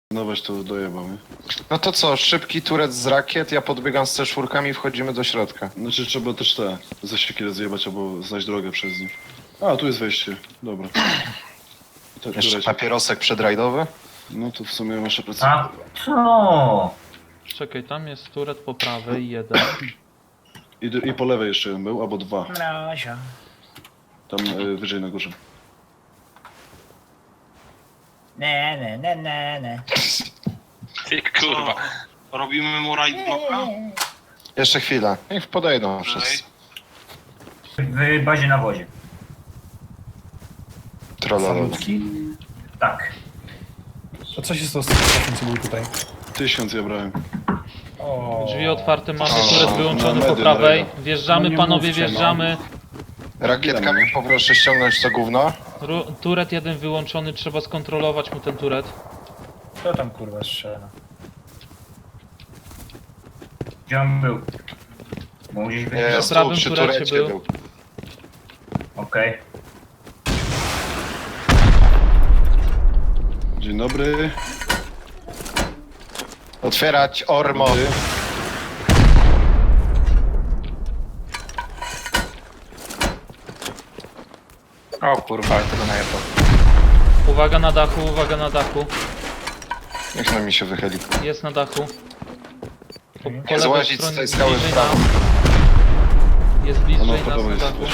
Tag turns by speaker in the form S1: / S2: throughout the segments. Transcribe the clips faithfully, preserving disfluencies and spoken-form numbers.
S1: Nowość to dojebał, nie?
S2: No to co, szybki turet z rakiet, ja podbiegam z C cztery i wchodzimy do środka.
S1: Znaczy trzeba też te zasieki rozjebać albo znaleźć drogę przez nich. A, tu jest wejście. Dobra. To,
S2: Jeszcze
S1: turecie.
S2: papierosek przedrajdowy?
S1: No to w sumie masz plecy.
S3: A co?
S4: Czekaj, tam jest turet po prawej, jeden.
S1: I, d- I po lewej jeszcze jeden był, albo dwa.
S3: Mrazia.
S1: Tam y, wyżej na górze.
S3: Ne, ne, ne, ne, ne.
S5: Ty kurwa. Robimy mu raid bloka?
S2: Jeszcze chwilę. Niech podejdą wszyscy.
S3: W bazie na wozie.
S2: Trollolo.
S6: Salutki?
S3: Tak.
S6: A co się stało z tym czasem, co był tutaj?
S1: Tysiąc ja brałem.
S3: O.
S4: Drzwi otwarte mamy,
S2: O,
S4: turet wyłączony
S1: na
S4: po
S1: medy,
S4: prawej.
S1: na
S4: Wjeżdżamy,
S6: No nie
S4: panowie,
S6: mówcie, no.
S4: wjeżdżamy.
S2: Rakietkami poproszę ściągnąć to gówno.
S4: Ru- Turet jeden wyłączony, trzeba skontrolować mu ten turet.
S3: Kto tam kurwa strzela? Gdzie on był? Bo gdzieś wiedzieć.
S2: Jest
S4: prawym
S2: tu, przy
S4: turecie
S2: turecie
S4: był.
S2: był.
S3: Okej.
S1: Dzień dobry.
S2: Otwierać ormo.
S1: Dobry.
S3: O kurwa, ale tego najebał.
S4: Uwaga na dachu, uwaga na dachu.
S2: Niech na mi się wychyli.
S4: Jest na dachu. Po, po
S2: Nie
S4: lewej
S2: złazić z
S4: stronie
S2: tej skały w
S4: bliżej
S2: prawo.
S4: nas. Jest
S1: Ono
S4: bliżej nas
S1: podobno
S4: na
S1: jest.
S4: dachu.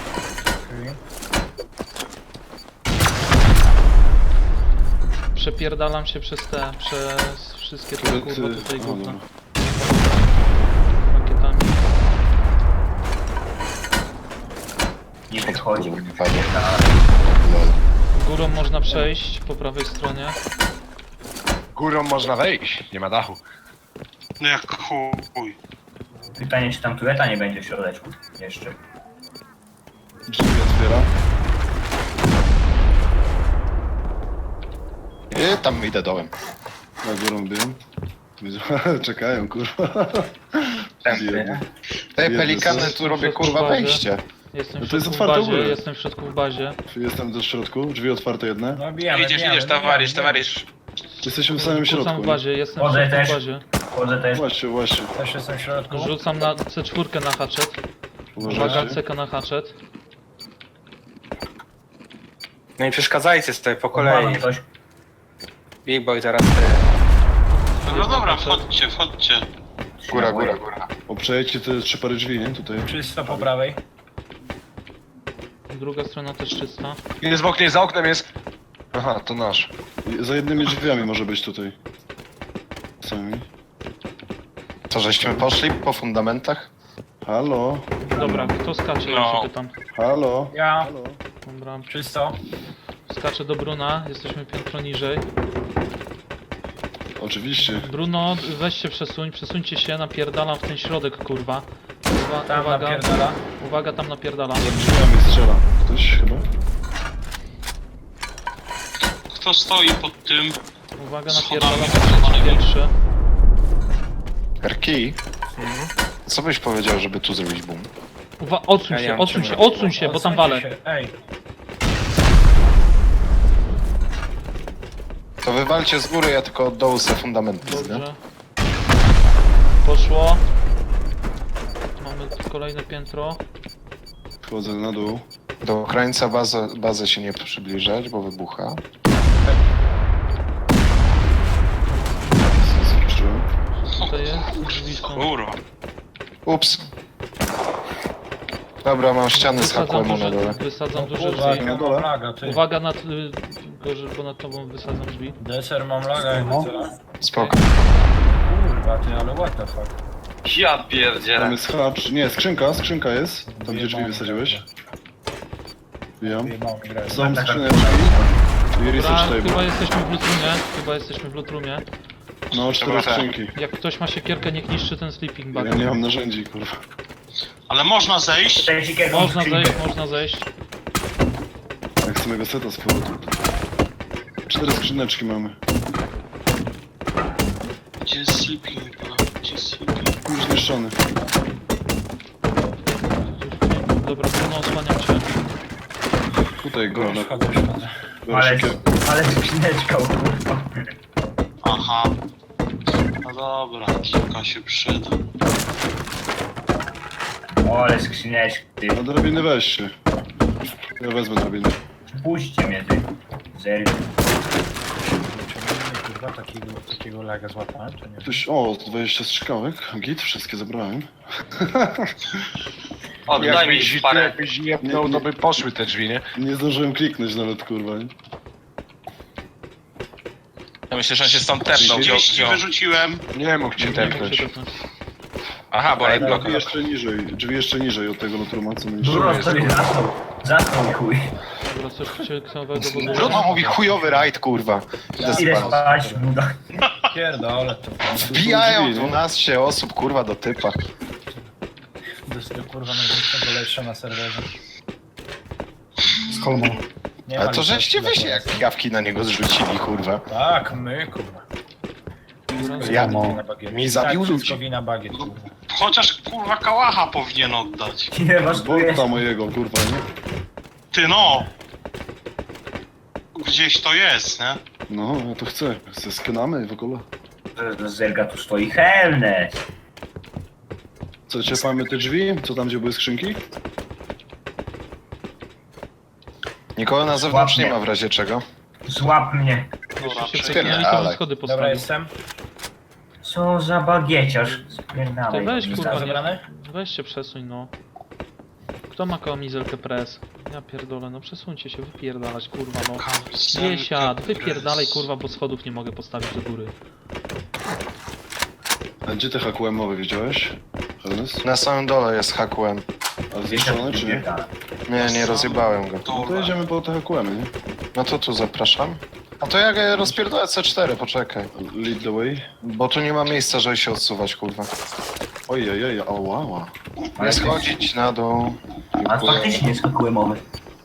S4: Przepierdalam się przez te, przez wszystkie te
S1: Turet,
S4: kurwa
S1: y,
S4: tutaj
S1: o,
S4: gówno.
S1: dobra.
S4: Rakietami.
S3: Nie wychodzi.
S2: Nie padło.
S3: Tak.
S4: Górą można przejść po prawej stronie.
S2: Górą można wejść, nie ma dachu.
S5: No jak chuj.
S3: Pytanie, czy tam tureta nie będzie w środeczku jeszcze.
S1: Drzwi otwiera.
S2: I tam idę dołem.
S1: Na górą biją. Widzę- Czekają, kurwa. Biedny.
S2: Te
S1: Jezu,
S2: pelikany
S1: coś
S2: tu robię
S4: tu
S2: kurwa
S4: w bazie.
S2: wejście.
S4: Jestem
S1: No
S4: w
S1: to jest
S4: środku w
S1: otwarte
S4: bazie,
S1: ogólnie.
S4: jestem w środku w bazie.
S1: Jestem do środku, drzwi otwarte jedne.
S3: No bijamy,
S5: Idziesz,
S3: bijamy,
S5: idziesz,
S3: bijamy,
S5: towarzysz,
S3: bijamy.
S5: towarzysz.
S1: Jesteśmy w samym
S4: Rzucam
S1: środku.
S4: w
S1: nie?
S4: bazie, jestem w
S3: Chodzę
S4: środku
S3: też.
S4: w bazie.
S3: Chodzę też.
S1: Właśnie, właśnie.
S3: Też jestem w środku.
S4: Rzucam na C cztery na haczet. Uwaga,
S1: Uważajcie.
S4: C K na haczet.
S7: No i przeszkadzajcie sobie po
S3: Kolej.
S7: kolei.
S3: Ktoś.
S7: Big Boy zaraz ty.
S5: No dobra, wchodźcie, wchodźcie.
S2: Góra, góra, góra.
S1: Obprzejdźcie te trzy pary drzwi, nie? Tutaj.
S3: Czysto po prawej.
S4: Druga strona też czysta.
S2: Jest w oknie, za oknem jest. Aha, to nasz.
S1: I za jednymi drzwiami może być tutaj. Sami.
S2: Co, żeśmy poszli po fundamentach?
S1: Halo?
S4: Dobra, kto skacze? Ja
S5: No.
S4: się pytam.
S1: Halo?
S3: Ja.
S1: Halo?
S4: Dobra,
S3: Czysto.
S4: skaczę do Bruna, jesteśmy piętro niżej.
S1: Oczywiście.
S4: Bruno, weź się przesuń, przesuńcie się, napierdalam w ten środek, kurwa. Uwa
S3: Tam
S4: uwaga,
S3: napierdala.
S4: uwaga, tam napierdalam.
S1: Za drzwiami strzela. Ktoś chyba?
S5: Kto stoi pod tym?
S4: Uwaga,
S5: Schodami
S4: napierdalam
S5: zatrzymanymi.
S4: pierwszy.
S2: Erki? Co byś powiedział, żeby tu zrobić boom?
S4: Uwa odsuń
S7: Ja nie
S4: się,
S7: mam
S4: odsuń
S7: czym
S4: się,
S7: robić.
S4: odsuń się, bo tam
S3: Odsuńcie
S4: walę.
S3: się. Ej.
S2: To wywalcie z góry, ja tylko od dołu se fundamenty zbię.
S4: Dobrze. Poszło. Mamy kolejne piętro.
S1: Wchodzę na dół.
S2: Do krańca bazy, bazy się nie przybliżać, bo wybucha.
S1: Zniszczyłem.
S4: To jest drzwi są.
S5: Kurwa.
S2: Ups. Dobra, mam ściany z
S4: Wysadzam
S2: hakłemu na
S4: duże,
S2: dole.
S4: wysadzam duże
S3: Kurwa,
S4: drzwi.
S1: na dole?
S3: mam laga, ty.
S4: Uwaga nad... y, Gorzej, bo nad tobą wysadzam drzwi.
S3: Deser mam laga, jak
S6: No.
S2: Spoko.
S3: Kurwa, ty, ale what the fuck.
S5: Ja
S1: Tam
S5: pierdzielę.
S1: jest hacz. Nie, skrzynka, skrzynka jest. Tam gdzie drzwi wysadziłeś. Wbijam.
S3: Wyjebało mi grę.
S1: Są
S3: Taka-
S1: skrzyneczki. I
S4: Dobra,
S1: research
S4: chyba
S1: table.
S4: jesteśmy w lutrumie. Chyba jesteśmy w lutrumie.
S1: No, cztery
S5: Dobra,
S1: skrzynki.
S4: Jak ktoś ma siekierkę, niech niszczy ten sleeping bag.
S1: Ja nie mam narzędzi, kurwa.
S5: Ale można zejść?
S3: Cześć, jakiego
S4: Można
S3: skrzynkę.
S4: zejść, można zejść.
S1: Jak z mojego seta z powrotu. Cztery skrzyneczki mamy.
S5: Gdzie jest sleeping? Gdzie jest sleeping?
S1: Już zniszczony.
S4: Dobra, Bruno, osłaniam cię.
S1: Tutaj go.
S3: Już wchodzę, już wchodzę.
S1: Biorę
S3: Ale,
S1: siekierę.
S3: ale skrzyneczka, kurwa.
S5: A, Aha. No dobra, kilka się przyda.
S3: O, ale skrzyneczki, ty.
S1: Na drabiny weźcie. Ja wezmę drabiny.
S3: Puśćcie mnie, ty. Zerk.
S6: Ciągnijmy, kurwa, takiego, takiego laga złapałem, czy nie?
S1: Ktoś, o, dwadzieścia strzykawek. Git, wszystkie zebrałem.
S5: Oddaj mi
S2: Jakbyś,
S5: parę.
S2: jakbyś jebnął, to by poszły te drzwi, nie?
S1: Nie zdążyłem kliknąć nawet, kurwa. Nie?
S5: Ja myślę, że on się stąd tepnął. trzydzieści wyrzuciłem.
S2: Nie mógł cię
S4: Nie wiem,
S2: tepnąć.
S4: czy to-
S5: Aha, bo
S1: Drzwi
S5: bloka.
S1: jeszcze niżej, drzwi jeszcze niżej od tego lutruma, co będzie.
S3: Dużo sobie zasnął. Zasnął, chuj.
S4: Dobra, coś ciekawego, bo...
S2: Trudno mówi chujowy rajd, kurwa. Idę
S3: Ile
S2: spać.
S3: spać, buda.
S6: Pierdolę, to
S2: Wbijają
S1: drzwi, nie?
S2: dwanaście osób, kurwa, do typa.
S6: do kurwa największego lepsza na serwerze. Z kolmą. Nie
S2: Ale
S6: ma
S2: to
S6: litości
S2: żeście
S6: dla
S2: wy się
S6: was.
S2: jak pijawki na niego zrzucili, kurwa.
S6: Tak, my, kurwa.
S2: Ja,
S6: Wina bagiet.
S2: mi zabił
S6: tak,
S2: ludzi.
S6: wszystko wina bagiet, kurwa.
S5: Chociaż kurwa kałacha powinien oddać.
S3: Ile was tu jest?
S1: Bolta mojego, kurwa, nie?
S5: Ty no! Gdzieś to jest, nie?
S1: No, ja to chcę. Ze skenamy w ogóle.
S3: Z Zerga tu stoi Helnet.
S1: Co, ciepamy te drzwi? Co tam, gdzie były skrzynki?
S2: Nikogo na zewnątrz nie ma w razie czego.
S3: Złap mnie.
S4: Jeszcze się
S5: Czekaj,
S4: przeklinali, to
S2: ale-
S4: na schody
S6: Dobra,
S4: postawił.
S6: jestem.
S3: Co za bagieciarz.
S4: Ty
S3: Spierdalaj.
S4: weź,
S3: Nie
S4: kurwa,
S3: znam.
S6: zebrany?
S4: nie, weź się przesuń, no. Kto ma kamizelkę press? Ja pierdolę, no przesuńcie się, wypierdalać, kurwa, no. Nie siad, wypierdalaj, kurwa, bo schodów nie mogę postawić do góry.
S1: A gdzie te H Q M-owe widziałeś? Ernest?
S2: Na samym dole jest H Q M.
S1: A zniszczone czy nie?
S2: Nie, nie rozjebałem go.
S1: No to jedziemy po te H Q M-y, nie?
S2: No to tu zapraszam. A to ja rozpierdolę C cztery, poczekaj.
S1: Lead the way.
S2: Bo tu nie ma miejsca, żeby się odsuwać, kurwa.
S1: Ojej, ojej, ała, ała.
S2: Nie schodzić na dół.
S3: A faktycznie jest kukły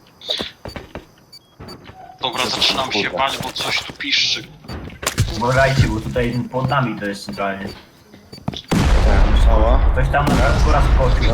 S5: Dobra, zaczynam się bać, bo coś tu piszczy.
S3: Uważajcie, bo tutaj pod nami to jest centralnie.
S1: Ała.
S3: Ktoś tam na po raz skoczył.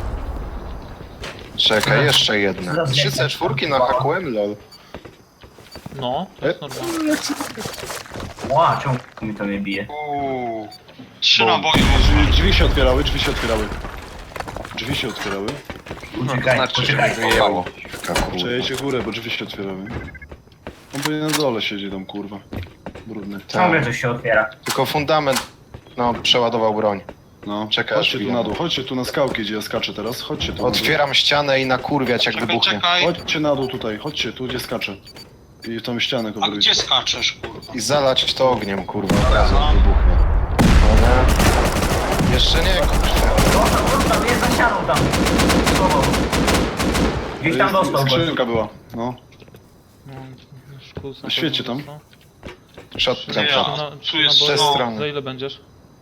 S2: Czekaj, jeszcze jedna. trzy C cztery na H Q M, lol.
S4: No, to jest normalne.
S3: Ła, czemu mi to nie bije?
S5: Uuu. Trzy
S1: Bo-
S5: naboje
S1: Drzwi,
S5: można.
S1: drzwi się otwierały, drzwi się otwierały. Drzwi się otwierały.
S3: Uciekaj,
S2: znaczy, że
S3: uciekaj.
S2: mnie wyjebało. Kurwa.
S1: Przejedźcie górę, bo drzwi się otwierały. On pewnie na dole siedzi tam, kurwa. Brudny.
S3: Ciągle coś się otwiera.
S2: Tylko fundament, no, przeładował broń.
S1: No,
S2: Czekaj,
S1: chodźcie tu
S2: chwilę.
S1: na dół, chodźcie tu na skałki, gdzie ja skaczę teraz. Chodźcie tu na dół.
S2: Otwieram ścianę i nakurwiać jak
S5: Czekaj,
S2: wybuchnie.
S5: czekaj.
S1: Chodźcie na dół tutaj, chodźcie tu, gdzie skaczę. I tą ścianę
S5: A
S1: coverujcie.
S5: gdzie skaczesz, kurwa?
S2: I zalać to ogniem, kurwa, od razu jak wybuchnie. Dobra. Jeszcze nie, kurwa.
S3: Dostał, dostał, jest za ścianą tam. Schował. Gdzieś tam dostał go.
S1: Skrzynka była, no.
S4: No, szkus na
S1: Świecie
S4: pewno
S1: tam.
S4: dostał.
S2: Shotgun
S5: Ja.
S2: shot.
S4: Czy na,
S5: Tu
S4: czy
S5: jest
S4: na
S2: ze
S4: boju-
S2: strony.
S4: Za ile będziesz?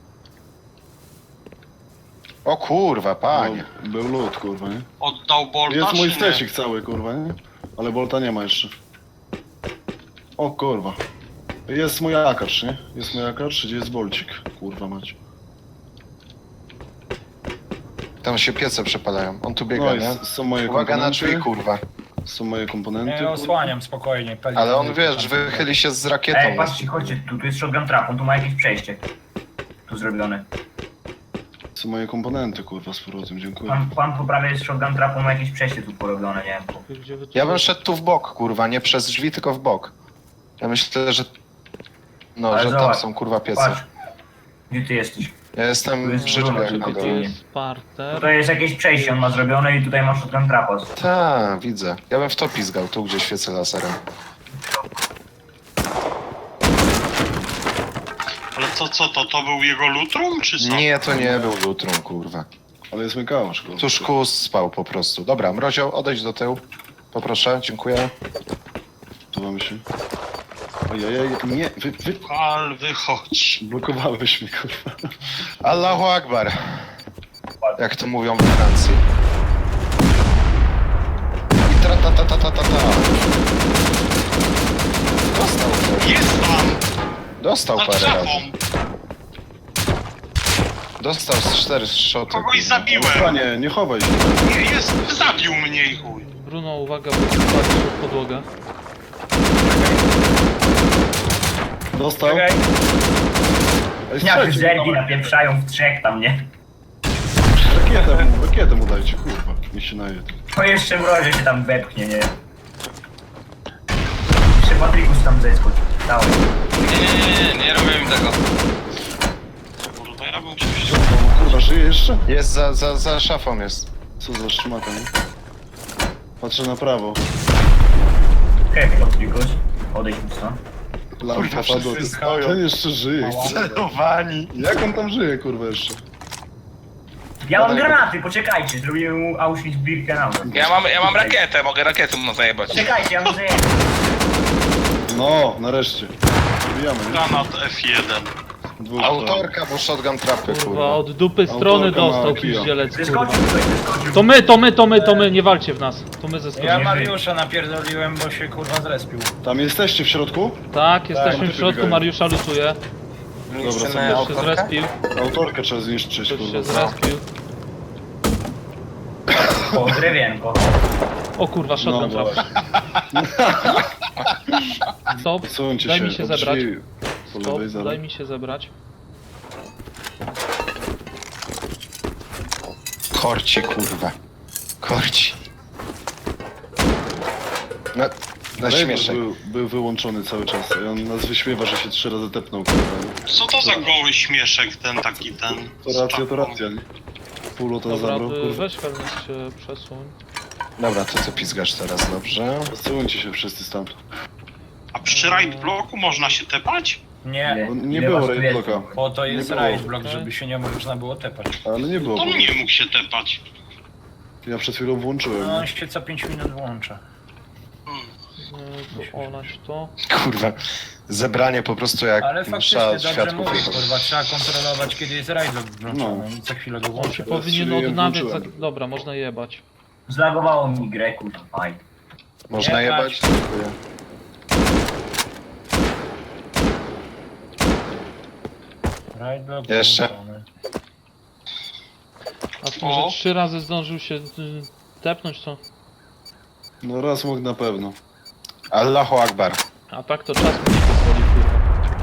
S2: O kurwa, panie.
S1: No, był lód, kurwa, nie?
S5: Oddał Bolta,
S1: Jest mój
S5: czy nie?
S1: stecik cały, kurwa, nie? Ale Bolta nie ma jeszcze. O kurwa. Jest mój akacz, nie? Jest mój akacz, gdzie jest Bolcik? Kurwa mać.
S2: Tam się piece przepalają. On tu biega,
S1: No i
S2: nie?
S1: s- są moje
S2: Uwaga na
S1: komponenty.
S2: drzwi, kurwa.
S1: Są moje komponenty.
S6: Nie,
S1: kurwa.
S6: osłaniam spokojnie. pali-
S2: Ale on, wiesz, wychyli się z rakietą.
S3: Ej, patrzcie, chodźcie, tu, tu jest shotgun trap, on tu ma jakieś przejście. Tu zrobione.
S1: Są moje komponenty, kurwa, z powrotem, dziękuję.
S3: Pan, pan po prawej jest shotgun trap, on ma jakieś przejście tu porobione, nie wiem.
S4: Gdzie wy tu
S2: Ja bym szedł tu w bok, kurwa, nie przez drzwi, tylko w bok. Ja myślę, że... No,
S3: Ale
S2: że tam
S3: zobacz,
S2: są, kurwa, piece.
S3: Patrz. Gdzie ty jesteś?
S2: Ja
S3: Tu
S2: jestem
S3: jest
S2: w życzkach
S3: brunat,
S2: na
S3: tylko
S4: Tu
S3: ty
S2: dole.
S4: jest parter.
S3: Tutaj jest jakieś przejście, on ma zrobione i tutaj ma shotgun trapa.
S2: Tak, widzę. Ja bym w to pizgał, tu gdzie świecę laserem.
S5: Ale co, co to? To był jego lutrum, czy co?
S2: Nie, to nie był lutrum, kurwa.
S1: Ale jest mój kałasz, kurwa.
S2: Tu szkus spał po prostu. Dobra, Mrozioł, odejdź do tyłu. Poproszę, dziękuję.
S1: Tu mamy się. Ojej, nie, wy, wy...
S5: Pal, wychodź.
S1: Blokowałeś mi, kurwa.
S2: Allahu Akbar. Jak to mówią we Francji. I tra ta ta ta ta ta ta. Dostał ktoś.
S5: Jest tam!
S2: Dostał
S5: Za
S2: parę
S5: drzewą!
S2: razy. Dostał z cztery szoty.
S5: Kogoś
S2: kurwa.
S5: zabiłem!
S1: Panie, nie chowaj się.
S5: Nie, jest, zabił mnie i chuj.
S4: Bruno, uwaga, bo spadł w podłogę.
S1: Dostał.
S6: Czekaj.
S1: Ej,
S3: Jak
S1: strzelcie,
S3: zergi napieprzają w trzech tam, nie?
S1: rakietę mu, rakietę mu dajcie, kurwa. Nie się naje.
S3: To jeszcze mrozie się tam wepchnie, nie? Jeszcze Patrykus tam zeskocz. Dawaj.
S5: Nie, nie, nie, nie, nie robimy tego. Kurwa, ja bym czymś...
S1: O, kurwa, żyje jeszcze?
S2: Jest za, za, za szafą jest.
S1: Co za szmata, nie? Patrzę na prawo.
S3: Hej, Patrykus. Odejdź mi stąd.
S1: Lampa
S2: Kurwa,
S1: padła.
S2: wszyscy stoją.
S1: Ten jeszcze żyje.
S2: Celowani.
S1: Jak on tam żyje, kurwa, jeszcze?
S3: Ja mam granaty, poczekajcie, zrobimy mu Auschwitz-Birkenau.
S5: Ja mam, ja mam rakietę, mogę rakietę mu zajebać.
S3: Czekajcie, ja mu zajęłem.
S1: No, nareszcie. Wbijamy, nie?
S5: Granat F jeden.
S1: Dwóch
S2: Autorka, bo shotgun trapy,
S4: Kurwa,
S2: kurwa.
S4: od dupy strony
S1: Autorka ma
S4: dostał
S1: kija.
S4: piździelec, kurwa.
S3: Zeskoczył tutaj, zeskoczył.
S4: To my, to my, to my, to my, nie walcie w nas. To my ze
S6: Ja
S4: strony.
S6: Mariusza napierdoliłem, bo się kurwa zrespił.
S1: Tam jesteście w środku?
S4: Tak, jesteśmy
S1: no
S4: w
S1: to
S4: środku,
S1: biegają.
S4: Mariusza lutuje.
S7: Niszczymy
S1: są-
S4: Ktoś się
S7: autorkę?
S4: zrespił,
S1: Autorkę trzeba zniszczyć,
S4: ktoś się
S1: kurwa.
S4: zrespił.
S3: O, drewienko.
S4: O kurwa, shotgun
S1: No,
S4: trap. Stop,
S1: Odsuńcie
S4: daj
S1: się,
S4: mi się
S1: od
S4: zebrać.
S1: drzwi Po
S4: Stop,
S1: lewej zaraz.
S4: daj mi się zebrać.
S2: Korci, kurwa. Korci. Na, na
S1: Rejber
S2: śmieszek.
S1: był, był wyłączony cały czas i on nas wyśmiewa, że się trzy razy tepnął, kurwa. nie?
S5: Co to za goły śmieszek, ten taki, ten...
S1: To racja, to racja, nie? Pół to
S4: Dobra,
S1: zabrał,
S4: y,
S1: kurwa.
S4: weź Helmut się przesuń.
S2: Dobra, to co pizgasz teraz, dobrze?
S1: Odsuńcie się wszyscy stamtąd.
S5: A przy raid bloku można się tepać?
S6: Nie,
S1: Bo nie
S3: Ile
S1: było
S3: was tu
S1: raid
S3: jest?
S1: blocka,
S6: po to jest
S1: Nie było.
S6: raid block,
S4: Okej.
S6: żeby się nie można było tepać.
S1: ale nie było.
S5: On
S1: bo
S5: nie mógł się tepać.
S1: Ja przed chwilą włączyłem.
S6: No on się co pięć minut włącza.
S4: Y, To olać to.
S2: Kurwa. Zebranie po prostu jak
S6: Ale faktycznie
S2: msza
S6: dobrze
S2: świadków
S6: mówisz,
S2: jechał.
S6: kurwa, trzeba kontrolować kiedy jest raid block włączony
S1: No.
S6: i co chwilę go
S4: On się
S6: włączyć.
S1: Teraz
S4: powinien
S1: się
S4: odnawiać. Za...
S1: włączyłem.
S4: Dobra, można jebać.
S3: Zlagowało mi grę, kurwa, fajnie.
S2: Można
S6: Nie
S2: jebać?
S6: bać.
S2: Dziękuję.
S6: Raid block
S2: Jeszcze.
S6: włączony.
S4: A w tym, że
S5: O.
S4: trzy razy zdążył się y, tepnąć, to...
S1: No raz mógł na pewno.
S2: Allahu Akbar.
S4: A tak to czas mu nie pozwoli, kurwa.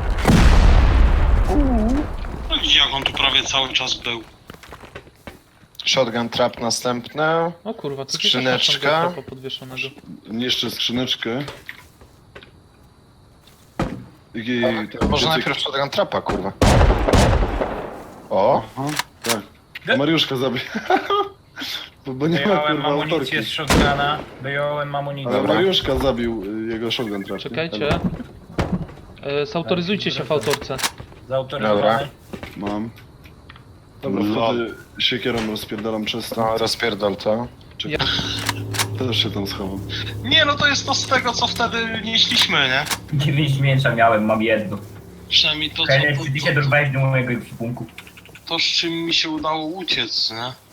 S5: No gdzie jak on tu prawie cały czas był?
S2: Shotgun trap następne.
S4: O kurwa, to
S2: Skrzyneczka.
S4: gdzieś tam podwieszonego.
S1: Niszczę skrzyneczkę. I,
S2: To może najpierw shotgun trapa, kurwa. O!
S1: Aha, tak. A Mariuszka zabij. bo, bo nie ma
S6: Wyjąłem
S1: kurwa autorki.
S6: amunicję z shotguna, wyjąłem amunicję.
S1: Ale Mariuszka zabił y, jego shotgun trafił.
S4: Czekajcie. E, Zautoryzujcie się w autorce.
S6: Zautoryzowany.
S1: Mam. Dobra, wtedy siekierą rozpierdalam przez to.
S2: No, rozpierdol to.
S1: Też się tam schowam.
S5: Nie, no to jest to z tego, co wtedy nieśliśmy, nie?
S3: Dziewięć mięsa miałem, mam jedno.
S5: Przynajmniej to, co,
S3: Hej,
S5: to,
S3: czy ty się dorwałeś do mojego ekwipunku?
S5: to, z czym mi się udało uciec, nie?